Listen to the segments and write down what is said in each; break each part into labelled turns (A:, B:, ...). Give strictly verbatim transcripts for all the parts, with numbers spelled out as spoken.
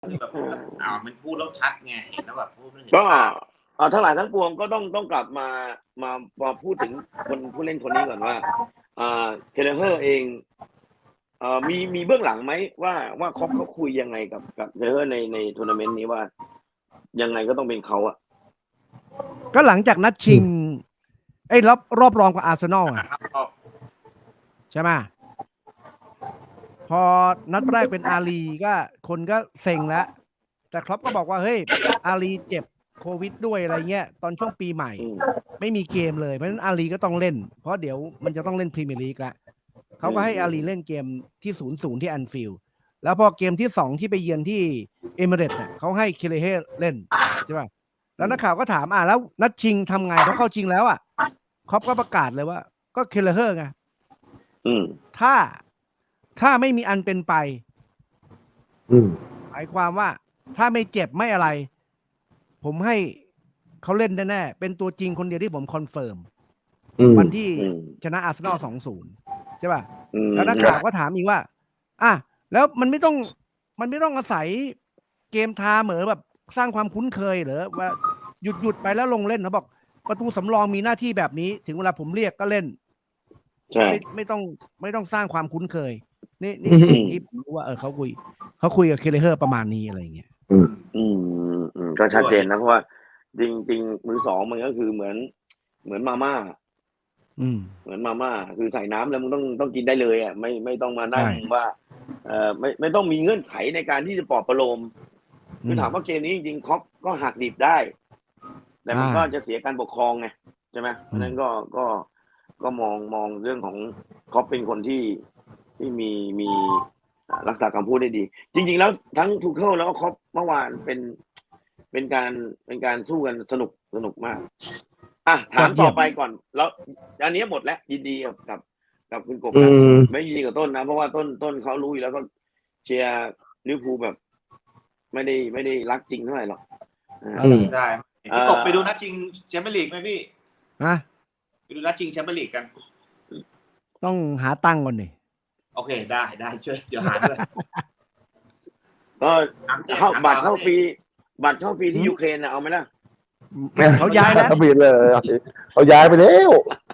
A: คือแบบอ่ามันพูดแล้วชัดไงเห็นแล้วแบบพูดไม่เห็น
B: ก็อ่าทั้งหลายทั้งปวงก็ต้องต้องกลับมามามาพูดถึงคนผู้เล่นคนนี้ก่อนว่าอ่าเคเลเฮอร์เองเอ่อมีมีเบื้องหลังไหมว่าว่าครอปเขาคุยยังไงกับกับเคเลเฮอร์ในในทัวร์นาเมนต์นี้ว่า ยังไงก็ต้องเป็นเขาอะ
C: ก็หลังจากนัดชิงไอ้รอบรอบรองกับอาร์เซนอลอ่ะ
A: ครับก็
C: ใช่ไหมพอนัดแรกเป็นอาลีก็คนก็เซ็งแล้ว แต่ครอปก็บอกว่าเฮ้ยอาลีเจ็บโควิดด้วยอะไรเงี้ยตอนช่วงปีใหม่
B: อืม
C: ไม่มีเกมเลยเพราะฉะนั้นอาลีก็ต้องเล่น เพราะเดี๋ยวมันจะต้องเล่นพรีเมียร์ลีกแล้วเขาก็ให้อาลีเล่นเกมที่ศูนย์ศูนย์ที่แอนฟิลด์แล้วพอเกมที่สองที่ไปเยือนที่เอมิเรตส์เนี่ยเขาให้เคเลเฮเล่นใช่ป่ะแล้วนักข่าวก็ถามอ่ะแล้วนัดชิงทำไงเพราะเข้าชิงแล้วอ่ะครอปก็ประกาศเลยว่าก็เคเลเฮไง
B: อืม
C: ถ้าถ้าไม่มีอันเป็นไป
D: อืม
C: หมายความว่าถ้าไม่เจ็บไม่อะไร ผมให้เขาเล่นแน่ๆเป็นตัวจริงคนเดียวที่ผมคอนเฟิร์ม
D: อืม
C: วันที่
B: อืม
C: ชนะอาร์เซนอล สองศูนย์ ใช่ป่ะ
B: อืม
C: แล้วนักข่าวก็ถามอีกว่า อ่ะ แล้วมันไม่ต้อง มันไม่ต้องอาศัยเกมทาเหมือแบบสร้างความคุ้นเคยเหรอว่าหยุดหยุดไปแล้วลงเล่นเขาบอก ประตูสำรองมีหน้าที่แบบนี้ ถึงเวลาผมเรียกก็เล่น
B: ใช่
C: ไม่ไม่ต้องไม่ต้องสร้างความคุ้นเคย นี่นี่คือสิ่งที่ผมรู้ว่าเออเขาคุยเขาคุยกับเคเลเฮอร์ประมาณนี้อะไรอย่างเงี้ย
D: อืม
B: อืมอืมก็ชัดเจนนะเพราะว่าจริงจริงมือสองมันก็คือเหมือน เหมือนมาม่า
C: อืม
B: เหมือนมาม่าคือใส่น้ำแล้วมึงต้องต้องกินได้เลยอ่ะไม่ไม่ต้องมานั่ง
C: ใช่
B: ว่าเอ่อไม่ไม่ต้องมีเงื่อนไขในการที่จะปลอบประโลมคือ
C: ม
B: ถามว่าเกมนี้จริงๆครอปก็หักดิบได้ แต่มัน
C: อ่า
B: ก็จะเสียการปกครองไงใช่ไหมเพราะฉะนั้นก็ก็ก็มองมองเรื่องของครอปเป็นคนที่ที่มีมีอ่ารักษาคำพูดได้ดี จริง ๆ แล้วทั้งทูเคิลแล้วก็ครอปเมื่อวานเป็นเป็นการเป็นการสู้กันสนุกสนุกมาก อ่ะถามต่อไปก่อน แล้วอันนี้หมดแล้วยินดีกับกับกับคุณกบ
D: อื
B: นะ
D: ม
B: ไม่ยินดีกับต้นนะ เพราะว่าต้นต้นเขารู้อยู่แล้วก็เชียร์ลิเวอร์พูลแบบ ไม่ได้ไม่ได้รักจริงเท่าไหร่หรอกอ่า
C: อืม
A: ได้พี่กบไปดูนัดชิงแชมเปี้ยนลีกไหมพี่
C: นะ
A: ไปดูนัดชิงแชมเปี้ยนลีกกัน
C: ต้องหาตังค์ก่อนดิ
A: โอเคได้ได้ช่วยเดี๋ยวหาด้วย
B: ก็เข้า
A: ถาม
B: บัตร
A: ถาม
B: เข้าฟรีบัตรเข้าฟรีที่
C: อืม
B: ยูเครนนะเอาไหมล่ะ
C: เขาย้ายแล้ว
D: เขาบินเลยเขาย้ายไปแล้ว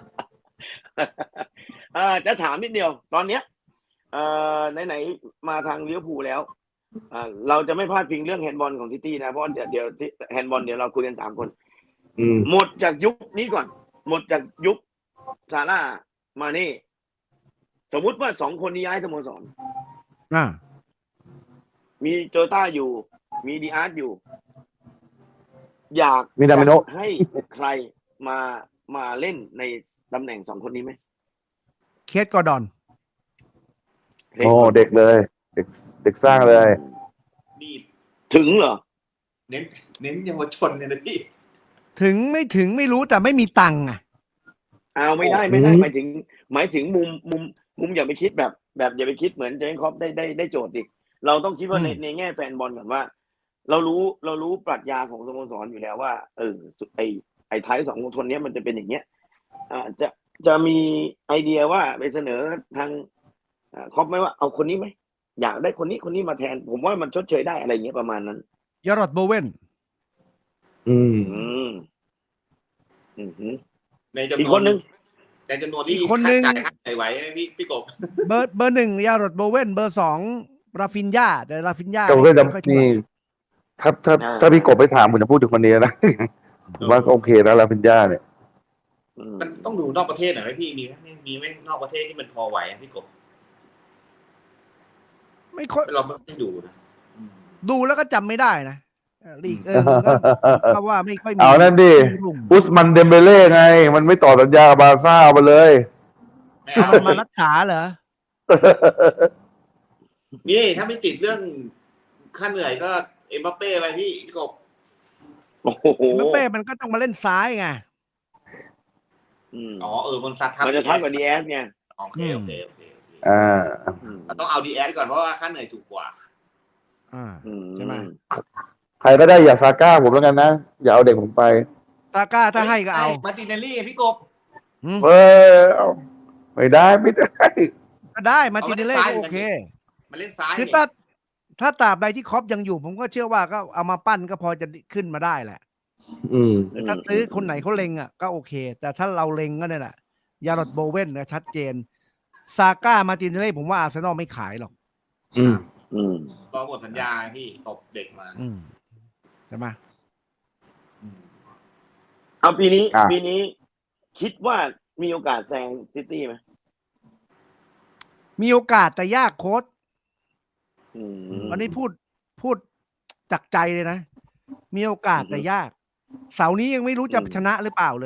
B: อ่าจะถามนิดเดียว ตอนเนี้ยเอ่อไหนๆมาทางลิเวอร์พูลแล้วอ่าเราจะไม่พลาดพิงเรื่องแฮนด์บอลของซิตี้นะเพราะเดี๋ยวเดี๋ยวแฮนด์บอลเดี๋ยวเราคุยกันสามคน
D: อืม
B: หมดจากยุคนี้ก่อน หมดจากยุคซาร่ามาเน่สมมุติว่าสองคนนี้ย้ายสโมสร
C: อ่า
B: มีโจต้าอยู่ มีดีอาร์ตอยู่ อยาก
D: มีดามิโน
B: จะให้ใครมามาเล่นในตำแหน่งสองคนนี้ไหม
C: เคสกอร์ดอน
D: โอ้เด็กเลย เด็กเด็กสร้างเลย
A: นี่
B: ถึงเหรอ
A: เน้นเน้นเยาวชนเนี่ยนะพี่
C: ถึงไม่ถึงไม่รู้แต่ไม่มีตังค์อ่ะ
B: เอาไม่ได้ไม่ได้
D: อืม
B: หมายถึง หมายถึงมุมมุมมุมอย่าไปคิดแบบ แบบอย่าไปคิดเหมือนเจนครอปได้ได้ได้โจทย์ดิเราต้องคิดว่าใน
C: อืม
B: ในแง่แฟนบอลก่อนว่า เรารู้เรารู้ปรัชญาของสโมสรอยู่แล้วว่า เออไอไอท้ายสองคนเนี้ยมันจะเป็นอย่างเงี้ยอ่าจะจะมีไอเดียว่าไปเสนอทางอ่าครอปไหมว่าเอาคนนี้ไหมอยากได้คนนี้คนนี้มาแทน ผมว่ามันชดเชยได้อะไรเงี้ยประมาณนั้น
C: ยารอดโบเวน
D: อืม
B: อืมอืมหืม
A: ในจำนวน
B: อีกคนนึง
A: ในจำนวนที่
C: อีกคนนึง
A: จ่ายค่าใช้ไหวไหมพี่พี่กบ
C: เบอร์เบอร์หนึ่งยารอดโบเวนเบอร์สองราฟินยาแต่ราฟินยา
D: แต่ผมก็จะ
C: ไม่ค่อยเท่าไห
D: นี่
C: ร่
D: ถ้าถ้าถ้าพี่กบไปถามผมจะพูดถึงคนนี้นะ ผมว่าก็โอเคแล้วลาฟินยาเนี่ย
B: อืม
A: มันต้องดูนอกประเทศหน่อยไหมพี่มีไหมมีไหมนอกประเทศที่มันพอไหวอะพี่กบ
C: ไม่ค่อย
A: เราไม่ได้ดูนะอืม
C: ดูแล้วก็จำไม่ได้นะเออลีกเออก็ก็ว่าไม่ค่อยมี
D: เอานั่นดิ
C: รุ่ง
D: อุสมันเดมเบเล่ไง มันไม่ต่อสัญญากับบาร์ซ่าเอาไปเลย
A: ไม่
C: เอา
A: เอา
C: มันมารักษาเหรอ
A: นี่ถ้าไม่ติดเรื่องค่าเหนื่อยก็เอ็มบัปเป้ไปพี่พี่กบ
B: โอ้โห
C: เมเป้มันก็ต้องมาเล่นซ้ายไง
B: อืม
A: อ๋อเออมันซัดทับ
B: มันจะทับกับดีแอสไง
A: โอเคโอเคโอเคโอเค
D: อ่า
B: อืม
A: เราต้องเอาดีแอก่อนเพราะว่าค่าเหนื่อยถูกกว่า
C: อ่า
B: อื
C: ใช่ไหม
D: ใครก็ได้อย่าซาก้าผมแล้วกันนะ อย่าเอาเด็กผมไป
C: ตาก้าถ้าให้ก็เอา
A: มาร์ติเนลลี่พี่กบ
C: อืม
D: เออเอาไม่ได้ไม่ได้
C: ก็ได้มาร์ติเนเล่ก็โอเค
A: มาเล่นซ้าย
C: คือ
A: นี่
C: ถ้าถ้าตราบใดที่ครอปยังอยู่ ผมก็เชื่อว่าก็เอามาปั้นก็พอจะขึ้นมาได้แหละ
D: อืม
C: แต่ถ้าซื้อคนไหนเขาเล็งอ่ะก็โอเค แต่ถ้าเราเล็งก็เนี่ยแหละยาร์ดโบเว่นนะชัดเจนซาก้ามาร์ตินเล่ผมว่าอาร์เซนอลไม่ขายหรอก
D: อืม
B: อืม
A: รอหมดสัญญาพี่ตบเด็กมา
C: อืมใช่ไหม
A: อืม
B: เอาปีนี้
D: อ่ะ
B: ปีนี้คิดว่ามีโอกาสแซงซิตี้ไหม
C: มีโอกาสแต่ยากโค้ด
B: อืม
C: วันนี้พูดพูดจากใจเลยนะ มีโอกาส
B: อือฮึ
C: แต่ยาก เสาร์นี้ยังไม่รู้จะ
B: อืม
C: ชนะหรือเปล่าเลย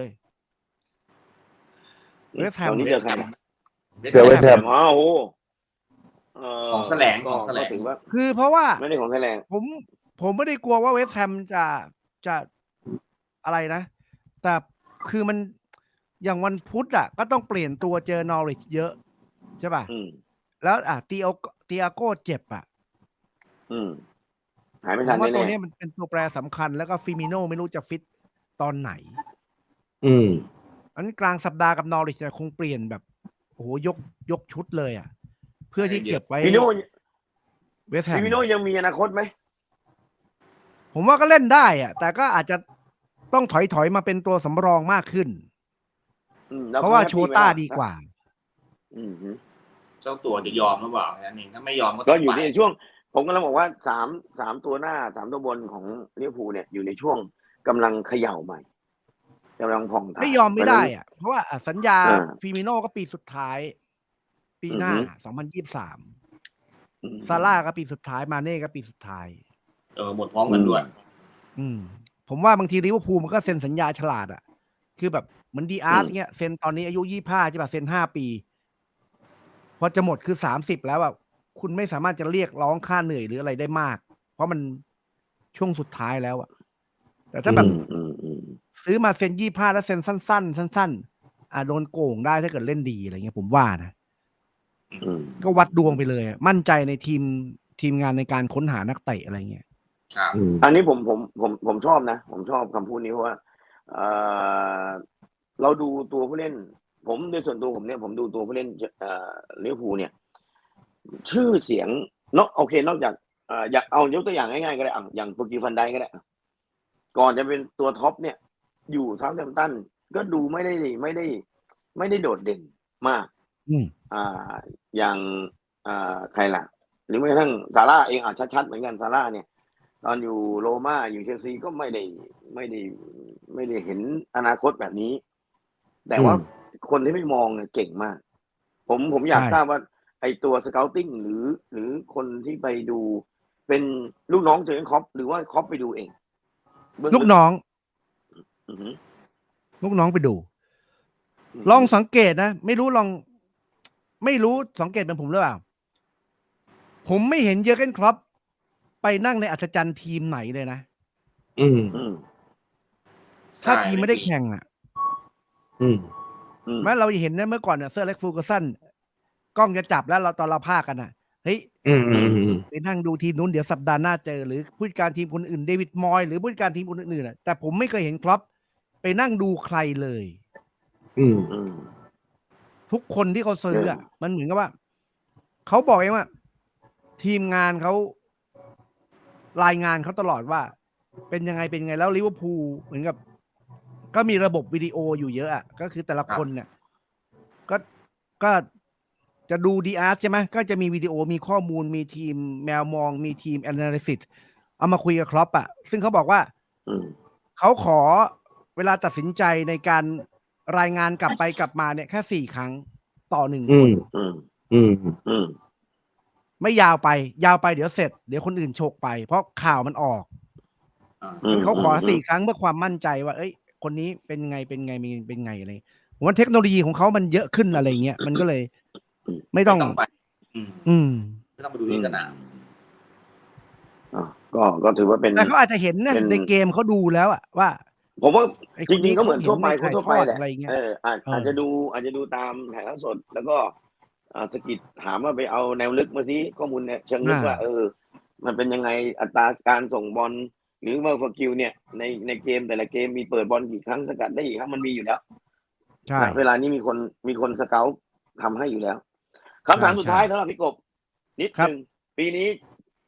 C: เวสต์แฮม
B: ตอนนี้เจอใครนะ
D: เจอเวสต์แฮม
B: อ๋อโอ้โหเ
A: ของแสลง
B: ก็
A: ของแสลง
B: ก็ถือว่า
C: คือเพราะว่า
B: ไม่ได้ของแสลง
C: ผมผมไม่ได้กลัวว่าเวสต์แฮมจะจะอะไรนะ แต่คือมันอย่างวันพุธอ่ะ ก็ต้องเปลี่ยนตัวเจอนอริชเยอะ ใช่ป่ะ
B: อืม
C: แล้วอ่ะตีโอตีอาโก้เจ็บอ่ะ
B: อืม หายไม่
C: ผ
B: ทัน
C: มว่าตัว
B: แน่
C: นี้มันเป็นตัวแปรสำคัญแล้วก็ฟิมิโน่ไม่รู้จะฟิตตอนไหน
D: อืม
C: อันนี้กลางสัปดาห์กับนอริชจะคงเปลี่ยนแบบโอ้โหยกยกชุดเลยอ่ะ เพื่อที่เก็บไว้
B: ๆฟิโน่
C: เวสต์แฮม
B: ฟิโน่ยังมีอนาคตไหม
C: ผมว่าก็เล่นได้อ่ะ แต่ก็อาจจะต้องถอยถอยมาเป็นตัวสำรองมากขึ้น
B: อืมแล้
C: เพราะว่า
B: ขแฮป
C: โช
B: ปี้ไหม
C: ต้า
B: ล่ะ
C: ดีกว่า
B: อืมฮึ
A: เจ้าตัวจะยอมหรือเปล่าแค่นั้นเองถ้าไม่ยอมก็
B: ก็
A: ต้อง
B: อยู่
A: ไป
B: ในช่วง ผมกำลังบอกว่าสามสามตัวหน้าสามตัวบนของลิเวอร์พูลเนี่ยอยู่ในช่วงกำลังเขย่าใหม่กำลังผ่องถ่าย
C: ไม่ยอมไม่ได้อ่ะ เพราะว่าอ่ะสัญญา
B: อ่า
C: ฟิมิโน่ก็ปีสุดท้าย ปีหน้า
B: อือฮึ
C: สองพันยี่สิบสาม
B: อืม
C: ซาร่าก็ปีสุดท้ายมาเน่ก็ปีสุดท้าย
A: เออหมดพร้อมกันด้วย
C: อืม ผมว่าบางทีลิเวอร์พูลมันก็เซ็นสัญญาฉลาดอ่ะ คือแบบเหมือนดีอาร์สเงี้ยเซ็นตอนนี้อายุยี่สิบห้าใช่ป่ะเซ็นห้าปี พอจะหมดคือสามสิบแล้วอ่ะคุณไม่สามารถจะเรียกร้องค่าเหนื่อยหรืออะไรได้มาก เพราะมันช่วงสุดท้ายแล้วอ่ะ แต่ถ้าแบบ
B: อืมอืมอืม
C: ซื้อมาเซ็นยี่ห้าแล้วเซ็นสั้นๆ สั้นๆ อ่าโดนโกงได้ถ้าเกิดเล่นดีอะไรเงี้ยผมว่านะ
B: อืม
C: ก็วัดดวงไปเลยอะมั่นใจในทีมทีมงานในการค้นหานักเตะอะไรเงี้ย
A: ครับ
D: อืม
B: อันนี้ผมผมผมผมชอบนะ ผมชอบคำพูดนี้เพราะว่าเอ่อเราดูตัวผู้เล่น ผมโดยส่วนตัวผมเนี่ยผมดูตัวผู้เล่นเอ่อลิเวอร์พูลเนี่ย ชื่อเสียงนอกโอเคนอกจากเอ่ออยากเอายกตัวอย่างง่ายๆก็ได้อ่ะอย่างโปรกิฟันไดก็ได้อ่ะก่อนจะเป็นตัวท็อปเนี่ย อยู่เซาท์แฮมป์ตันก็ดูไม่ได้ไม่ได้ ไม่ได้โดดเด่นมาก
C: อืม
B: อ่าอย่างอ่าใครล่ะ หรือแม้กระทั่งซาร่าเองอ่ะชัดๆเหมือนกันซาร่าเนี่ย ตอนอยู่โรม่าอยู่เชลซีก็ไม่ได้ไม่ได้ไม่ได้เห็นอนาคตแบบนี้ แต่ว่า
D: อืม
B: คนที่ไม่มองเนี่ยเก่งมาก ผมผมอยาก
C: ใช่
B: ทราบว่า ไอตัวสเกลติ้งหรือ หรือคนที่ไปดูเป็นลูกน้องเจอร์เก้นคล็อปหรือว่าคล็อปไปดูเองเบื้ง
C: ลูกน้อง
B: อือหือ
C: ลูกน้องไปดู
B: ม
C: ลองสังเกตนะ ไม่รู้ลอง ไม่รู้สังเกตเป็นผมหรือเปล่า ผมไม่เห็นเยอร์เกนคล็อปไปนั่งในอัศจรรย์ทีมไหนเลยนะ
D: อืม
B: อืม
C: ถ้า
A: ใช่
C: ทีมไม่ได้แข่งอ่ะ
D: อืม
B: อืม
C: แม้เราเห็นนะเมื่อก่อนเนี่ยเซอร์เล็กฟูกสันกล้องจะจับแล้วเราตอนเราพากันอ่ะเฮ้ย
D: อืม อืม อืม
C: ไปนั่งดูทีมนู้นเดี๋ยวสัปดาห์หน้าเจอ หรือผู้จัดการทีมคนอื่นเดวิดมอยหรือผู้จัดการทีมคนอื่นๆน่ะแต่ผมไม่เคยเห็นคล็อปไปนั่งดูใครเลย
D: อืม
B: อืม
C: ทุกคนที่เขาซื้ออ่ะ
B: เออ
C: มันเหมือนกับว่าเขาบอกเองว่า ทีมงานเขารายงานเขาตลอดว่า เป็นยังไงเป็นยังไงแล้วลิเวอร์พูลเหมือนกับ ก็มีระบบวิดีโออยู่เยอะอ่ะก็คือแต่ละคนเนี่ย ก็ก็จะดูดีอาร์ใช่ไหมก็จะมีวิดีโอมีข้อมูลมีทีมแมวมองมีทีมแอนาลิซิสเอามาคุยกับครอปอ่ะซึ่งเขาบอกว่า
B: อืม
C: เขาขอเวลาตัดสินใจในการรายงานกลับไปกลับมาเนี่ยแค่สี่ครั้งต่อหนึ่ง
D: อื
C: คน
D: ม
B: อืม
D: อืม
B: อืม
C: ไม่ยาวไป ยาวไปเดี๋ยวเสร็จเดี๋ยวคนอื่นโชกไป เพราะข่าวมันออก
A: อ่า
B: อืม
C: งั้นเขาขอ
B: อืม
C: สี่ครั้งเพื่อความมั่นใจว่า เอ้ย คนนี้เป็นไงเป็นไงมีเป็นไงอะไรผมว่าเทคโนโลยีของเขามันเยอะขึ้นอะไรเงี้ยมันก็เลย ไม่ต้อง
A: ไม่ต้องไป อืม
C: อืม
A: ไม่ต้องไปดูที่สนาม
B: อ่ะก็ก็ถือว่าเป็น
C: แต่เขาอาจจะเห็นนะ
B: เป็น
C: ในเกมเขาดูแล้วอะว่า
B: ผมว่า
C: ไอ้ค
B: จ
C: น
B: ริ
C: นี้
B: งๆก็เหมือนทั่วไป
C: เขา
B: คน
C: เห็นใน
B: ทั่วไป
C: ถ่ายทอด
B: แหละ
C: อะไรเงี้ย
B: เอออาจ
C: เอออ
B: อาจจะดูอาจจะดูตามถ่ายทอดสด แล้วก็อ่าสกิดถามว่าไปเอาแนวลึกมาสิข้อมูลเนี่ยเชิงลึก
C: อ่า
B: ว่า เออ มันเป็นยังไงอัตราการส่งบอลหรือว่าฟอร์คิวเนี่ยในในเกมแต่ละเกมมีเปิดบอลกี่ครั้งสกัดได้กี่ครั้งมันมีอยู่แล้ว
C: ใช่
B: นะเวลานี้มีคนมีคนสเกลทำให้อยู่แล้วคำถาม
C: ใช่
B: สุดท้าย
C: ใช่
B: สำหรับพี่กบ นิด
C: ครับ
B: หนึ่งปีนี้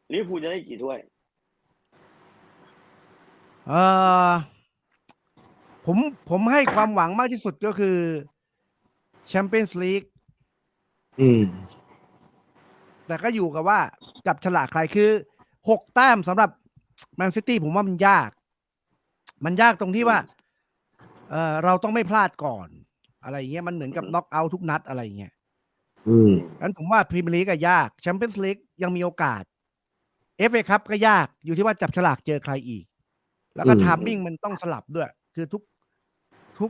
B: ลิเวอร์พูลจะได้กี่ถ้วย
C: เออผมผมให้ความหวังมากที่สุดก็คือแชมเปี้ยนส์ลีก
D: อืม
C: แต่ก็อยู่กับว่าจับฉลากใครคือหกแต้มสำหรับแมนซิตี้ผมว่ามันยาก มันยากตรงที่ว่า เออเราต้องไม่พลาดก่อน อะไรอย่างเงี้ยมันเหมือนกับน็อกเอาท์ทุกนัดอะไรอย่างเงี้ย
D: อืม
C: งั้นผมว่าพรีเมียร์ลีกก็ยากแชมเปี้ยนส์ลีกยังมีโอกาส เอฟ เอ คัพก็ยากอยู่ที่ว่าจับฉลากเจอใครอีก แล้วก็
D: อืม
C: ไทามมิ่งมันต้องสลับด้วย คือทุกทุก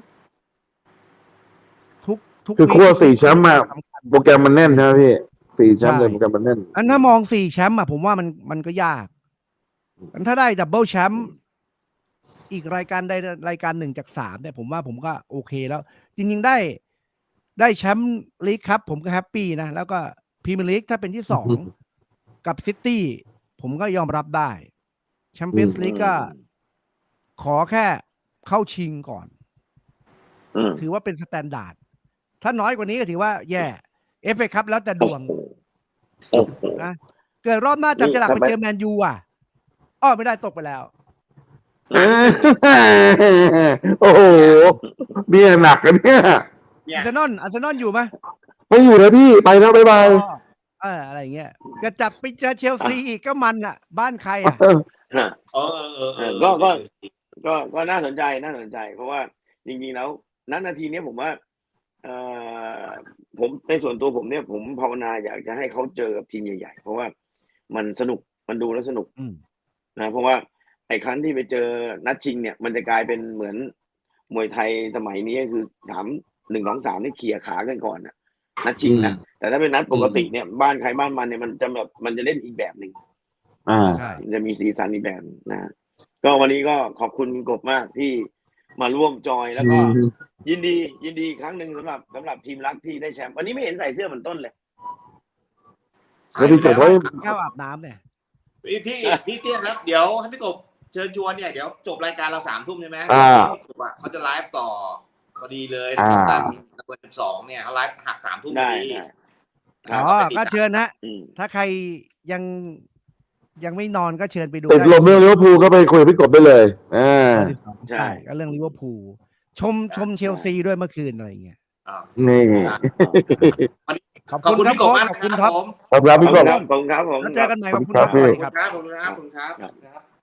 C: ทุกทุก
D: คือ
C: วี
D: ขั้ว
C: ทุก
D: สี่
C: วี
D: แชมป์มา
C: สำคัญ
D: โปรแกรมมันแน่นใช่ไหมพี่สี่แชมป์
C: ใช่
D: เลยโปรแกรมมันแน่น
C: อันถ้ามองสี่แชมป์อ่ะผมว่ามันมันก็ยากอันถ้าได้ดับเบิลแชมป์อีกรายการใดรายการหนึ่งจากสามเนี่ยผมว่าผมก็โอเคแล้ว จริงๆได้ได้แชมป์ลีกครับ ผมก็แฮปปี้นะ แล้วก็พรีเมียร์ลีกถ้าเป็นที่สองกับซิตี้ผมก็ยอมรับได้แชมเปี้ยนส์ลีกก็ขอแค่เข้าชิงก่อน
B: อืม
C: ถือว่าเป็นสแตนดาร์ดถ้าน้อยกว่านี้ก็ถือว่าแย่เอฟเอครับแล้วแต่ดวง
B: โอ้โห
C: นะเกิดรอบหน้าจับฉลาก
B: นี่
C: ไป
B: ทำไม
C: เจอแมนยูอ่ะอ้อไม่ได้ตกไปแล้ว
D: โอ้โหเนี่ยหนักกันเนี่ย
A: เนี่
C: อา
A: ย
C: ร์เซนอลอาร์เซนอลอยู่ไหม
D: ไม่อยู่แล้วพี่ไปแล้วบ๊ายบาย
C: อ๋อเอออะไรอย่างเงี้ยก็จับไปเจอเชลซีอีกก็มันอ่ะ บ้านใครอ่ะ
B: ฮะ
A: เออเออเออเออ
B: ก็ก็ ก็ก็น่าสนใจน่าสนใจ เพราะว่าจริงๆแล้วณนาทีนี้ผมว่าเอ่อผมในส่วนตัวผมเนี่ย ผมภาวนาอยากจะให้เขาเจอกับทีมใหญ่ๆเพราะว่ามันสนุกมันดูแล้วสนุก
C: อืม
B: นะเพราะว่าไอ้ครั้งที่ไปเจอนัดชิงเนี่ย มันจะกลายเป็นเหมือนมวยไทยสมัยนี้คือสามหนึ่งสองสามนี่เขี่ยขากันก่อนนะนัดชิงนะแต่ถ้าเป็นนัดปกติเนี่ยบ้านใครบ้านมันเนี่ยมันจะแบบมันจะเล่นอีกแบบหนึ่ง
D: อ่า
C: ใช่
B: จะมีสีสันอีกแบบนะ ก็วันนี้ก็ขอบคุณคุณกบมากที่มาร่วมจอยแล้วก็
D: อืม
B: ยินดี ยินดีอีกครั้งหนึ่งสำหรับสำหรับทีมรักที่ได้แชมป์วันนี้ไม่เห็นใส่เสื้อเหมือนต้นเลย
D: แล้วพี่กบไว้
C: ข้าวอาบน้ำเนี่ย
A: พี่พี่พี่เตี้ยครับเดี๋ยวให้พี่กบเชิญชวนเนี่ยเดี๋ยวจบรายการเราสามทุ่มใช่ไหม
D: อ่า
A: พี่กบอะเขาจะไลฟ์ต่อพอดีเลย
D: อ่า
A: ช่องตันเบอร์สิบสองเนี่ยเขาไลฟ์หักสามทุ่มพ
B: ได้
A: อดี
B: ได้
C: อ๋อก็เชิญนะ
B: อืม
C: ถ้าใครยังยังไม่นอนก็เชิญไปดู
D: ติด
C: ได้
D: ลมเรื่องลิเวอร์พูลก็ไปคุยกับพี่กบได้เลยอ่า
C: เบอร์สิบสอง
B: ใช่
C: ใช่ก็เรื่องลิเวอร์พูลชมชมเชลซีด้วยเมื่อคืนอะไรอย่างเงี้ย
A: อ่า
D: นี่
C: ขอบ
A: ขอบ
C: คุณ
A: คุณ
C: ครับ
A: พี่กบมาก
C: ขอบ
A: ค
C: คุณ
A: รับ
C: ครับ
A: ผม
D: ขอบคุณครับ
B: ขอบ
D: พี่ก
B: คุณ
D: บ
B: ครับขอบคุณครับผม
C: แล้วเจอกันใหม่ขอบคุณ
D: ขอบคุณ
C: ค
D: ครั
C: รับบ สวัสดี
A: ขอบ
C: ครับ
A: คุณครับขอบคุณครับขอบคุณครับขอบคุณครับ